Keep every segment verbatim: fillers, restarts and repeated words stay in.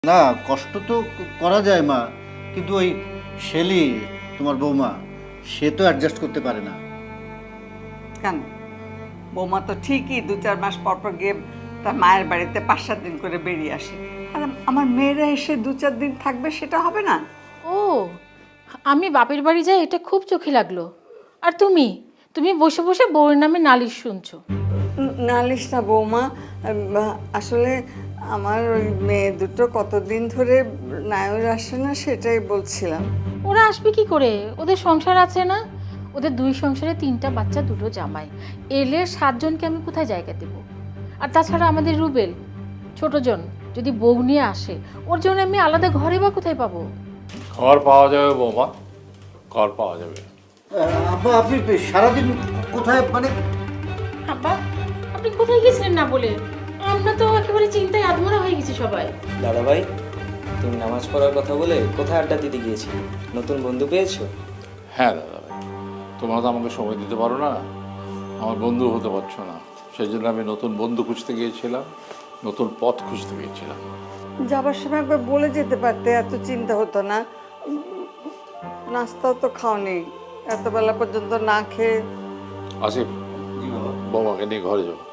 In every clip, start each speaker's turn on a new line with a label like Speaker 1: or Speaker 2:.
Speaker 1: না, কষ্ট তো করা যায় মা, কিন্তু ওই শেলি তোমার বৌমা সে তো অ্যাডজাস্ট করতে পারে না।
Speaker 2: কেন? বৌমা তো ঠিকই দু চার মাস পর পর গিয়ে তার মায়ের বাড়িতে পাঁচ সাত দিন করে বেরিয়ে আসে। আর আমার মেয়েরা এসে দু চার দিন থাকবে, সেটা হবে না?
Speaker 3: ও, আমি বাপের বাড়ি যাই এটা খুব চোখে লাগলো। আর তুমি তুমি বসে বসে বউয়ের নামে নালিশ শুনছো।
Speaker 2: ন- নালিশ না বৌমা, উম, আসলে আমার ওই মেয়ে দুটো কতদিন ধরে নায়র আসে না, সেটাই বলছিলাম।
Speaker 3: ওরা আসবে কি করে? ওদের সংসার আছে না? ওদের দুই সংসারে তিনটা বাচ্চা, দুটো জামাই, এলে সাতজনকে আমি কোথায় জায়গা দেব? আর তাছাড়া আমাদের রুবেল ছোটজন যদি বউ নিয়ে আসে, ওর জন্য আমি আলাদা ঘরে বা কোথায় পাবো?
Speaker 4: ঘর পাওয়া যাবে বৌমা, ঘর পাওয়া যাবে।
Speaker 1: আহ, আব্বা আপনি সারাদিন কোথায় মানে?
Speaker 3: আব্বা, আপনি কোথায় গেছিলেন না বলে? আমরা তো একেবারে চিন্তায় আধমরা হয়ে গেছি সবাই।
Speaker 5: দাদা ভাই, তুমি নামাজ পড়ার কথা বলে কোথায় আড্ডা দিতে গিয়েছিলে? নতুন বন্ধু পেয়েছো?
Speaker 4: হ্যাঁ দাদা ভাই, তোমরা তো আমাকে সময় দিতে পারো না, আমার বন্ধু হতে পারছো না, সেই জন্য আমি নতুন বন্ধু খুঁজতে গিয়েছিলাম, নতুন পথ খুঁজতে গিয়েছিলাম।
Speaker 2: যাবার সময় একবার বলে যেতে পারতে, এত চিন্তা হতো না। উম, নাস্তাও তো খাওনি, এত বেলা পর্যন্ত না খেয়ে।
Speaker 4: আসিফ, বৌমাকে নিয়ে ঘরে যাও।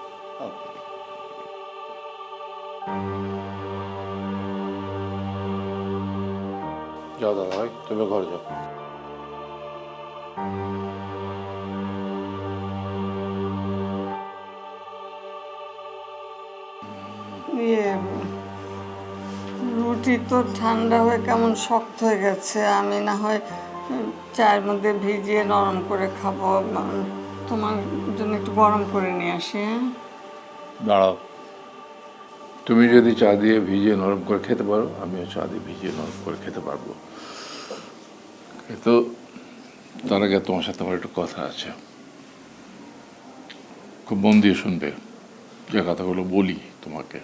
Speaker 4: যাও দাদা ভাই, তুমি ঘরে যাও।
Speaker 2: ইয়ে, রুটি তো ঠান্ডা হয়ে কেমন শক্ত হয়ে গেছে, আমি না হয় উম, চায়ের মধ্যে ভিজিয়ে নরম করে খাবো। উম, তোমার জন্য একটু গরম করে নিয়ে আসি। হ্যাঁ,
Speaker 4: দাঁড়াও, তুমি যদি চা দিয়ে ভিজিয়ে নরম করে খেতে পারো, আমিও চা দিয়ে ভিজিয়ে নরম করে খেতে পারবো। কিন্তু তার আগে তোমার সাথে আমার একটু কথা আছে, খুব মন দিয়ে শুনবে যে কথাগুলো বলি তোমাকে।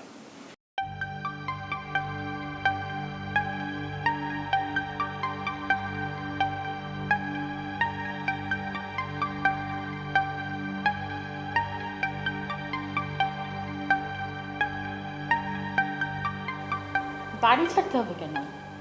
Speaker 3: বাড়ি ছাড়তে হবে কেন?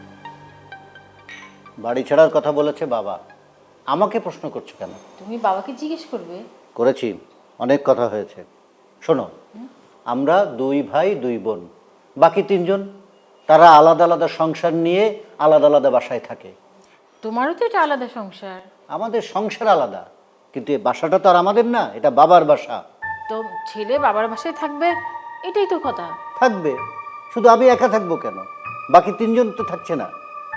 Speaker 1: বাড়ি ছাড়ার কথা বলেছে বাবা, আমাকে প্রশ্ন করছো কেন?
Speaker 3: তুমি বাবাকে জিজ্ঞেস করবে।
Speaker 1: করেছি, অনেক কথা হয়েছে। শোনো, আমরা দুই ভাই দুই বোন, বাকি তিনজন তারা আলাদা আলাদা সংসার নিয়ে আলাদা আলাদা বাসায় থাকে।
Speaker 3: তোমারও তো এটা আলাদা সংসার।
Speaker 1: আমাদের সংসার আলাদা, কিন্তু এই বাসাটা তো আর আমাদের না, এটা বাবার বাসা।
Speaker 3: তো ছেলে বাবার বাসায় থাকবে, এটাই তো কথা।
Speaker 1: থাকবে, শুধু আমি একা থাকবো কেন? বাকি তিনজন তো থাকছে না।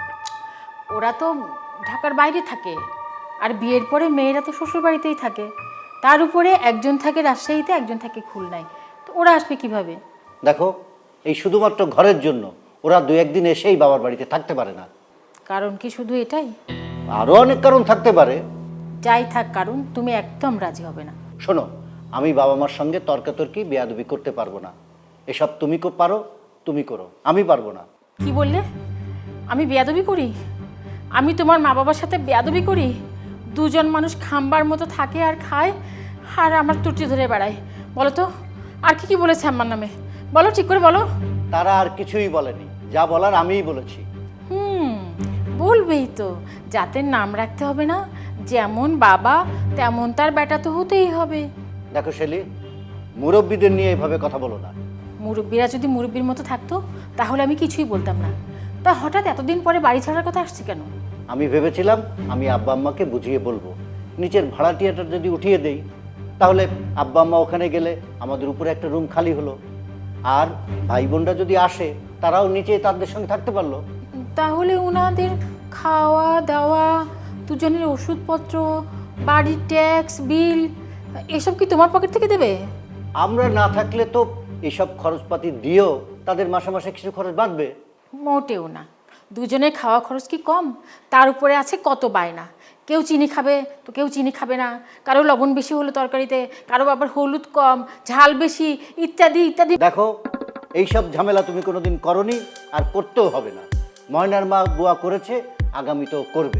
Speaker 3: ওরা তো ঢাকার বাইরে থাকে, আর বিয়ের পরে মেয়েরা তো শ্বশুর বাড়িতেই থাকে। তার উপরে একজন থাকে রাজশাহীতে, একজন থাকে খুলনায়, তো ওরা আসবে কিভাবে?
Speaker 1: দেখো, এই শুধুমাত্র ঘরের জন্য ওরা দু একদিন এসেই বাবার বাড়িতে থাকতে পারে না।
Speaker 3: কারণ কি শুধু এটাই?
Speaker 1: আরও অনেক কারণ থাকতে পারে।
Speaker 3: যাই থাক কারণ, তুমি একদম রাজি হবে না।
Speaker 1: শোনো, আমি বাবা মার সঙ্গে তর্কাতর্কি বেয়াদবি করতে পারবো না। এসব তুমি কো পারো, তুমি করো, আমি পারবো না।
Speaker 3: কি বললে? আমি বেয়াদবি করি? আমি তোমার মা বাবার সাথে বেয়াদবি করি? দুজন মানুষ খাম্বার মতো থাকে আর খায়, আর আমার ত্রুটি ধরে বেড়ায়। বলো তো, আর কি কি বলেছে আমার নামে? বলো, ঠিক করে বলো।
Speaker 1: তারা আর কিছুই বলেনি, যা বলার আমিই বলেছি।
Speaker 3: হুম, বলবেই তো, জাতের নাম রাখতে হবে না? যেমন বাবা তেমন তার বেটা তো হতেই হবে।
Speaker 1: দেখো শেলি, মুরব্বীদের নিয়ে এভাবে কথা বলো না।
Speaker 3: মুরব্বীরা যদি মুরব্বীর মতো থাকতো তাহলে আমি কিছুই বলতাম না। তা হঠাৎ এতদিন পরে বাড়ি ছাড়ার কথা আসছে কেন?
Speaker 1: আমি ভেবেছিলাম আমি আব্বা আম্মাকে বুঝিয়ে বলবো, নিচের ভাড়াটিয়াটা যদি উঠিয়ে দেই, তাহলে আব্বা আম্মা ওখানে গেলে আমাদের উপরে একটা রুম খালি হলো, আর ভাই বোনরা যদি আসে তারাও নিচে তাদের সঙ্গে থাকতে পারলো।
Speaker 3: তাহলে ওনাদের খাওয়া দাওয়া, দুজনের ওষুধপত্র, বাড়ির ট্যাক্স বিল, এসব কি তোমার পকেট থেকে দেবে?
Speaker 1: আমরা না থাকলে তো এসব খরচপাতি দিয়েও তাদের মাসে মাসে কিছু খরচ বাঁধবে।
Speaker 3: মোটেও না। দুজনের খাওয়া খরচ কি কম? তার উপরে আছে কত বায়না। কেউ চিনি খাবে তো কেউ চিনি খাবে না, কারো লবণ বেশি হলো তরকারিতে, কারো আবার হলুদ কম, ঝাল বেশি, ইত্যাদি ইত্যাদি।
Speaker 1: দেখো, এইসব ঝামেলা তুমি কোনোদিন করনি, আর করতেও হবে না। ময়নার মা বুয়া করেছে, আগামীতেও করবে।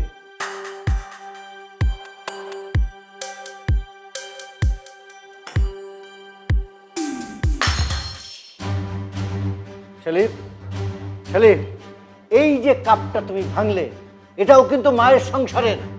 Speaker 1: সেলিম, সেলিম, এই যে কাপটা তুমি ভাঙলে, এটাও কিন্তু মায়ের সংসারের।